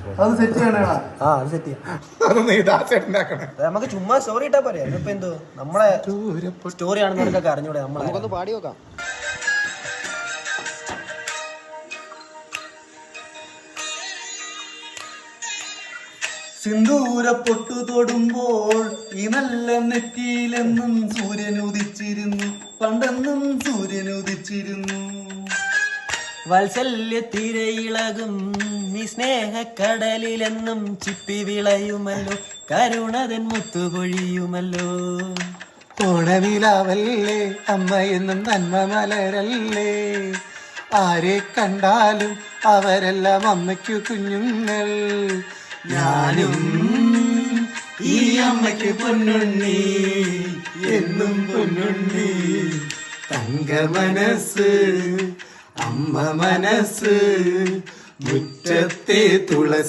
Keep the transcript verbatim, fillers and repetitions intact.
അത് സെറ്റ് ചെയ്യണ ആ അത് സെറ്റ് ചെയ്യാം. നമുക്ക് ചുമ്മാ സ്റ്റോറി ഇട്ടാ പോരെ. ഇപ്പൊ എന്തോ നമ്മളെ സ്റ്റോറി ആണെന്ന് നിനക്കൊക്കെ അറിഞ്ഞൂടെ? നമ്മളെ നമുക്കൊന്ന് പാടി നോക്കാം. സിന്ദൂര പൊട്ടു തൊടുമ്പോൾ ഈ നല്ല നെറ്റിയിലെന്നും സൂര്യൻ ഉദിച്ചിരുന്നു, പണ്ടെന്നും സൂര്യൻ ഉദിച്ചിരുന്നു. വാത്സല്യ തിരയിളകും നീ സ്നേഹക്കടലിലെന്നും ചിപ്പി വിളയുമല്ലോ, കരുണതൻ മുത്തുപൊഴിയുമല്ലോ. ഓണവിലാവല്ലേ അമ്മ എന്നും നന്മ മലരല്ലേ, ആരെ കണ്ടാലും അവരെല്ലാം അമ്മയ്ക്കു കുഞ്ഞുങ്ങൾ. ഞാനും ഈ അമ്മയ്ക്ക് പൊന്നുണ്ണി, എന്നും പൊന്നുണ്ണി. തങ്ക മനസ്സ് അമ്മ മനസ്സ്, മുറ്റത്തെ തുളസി.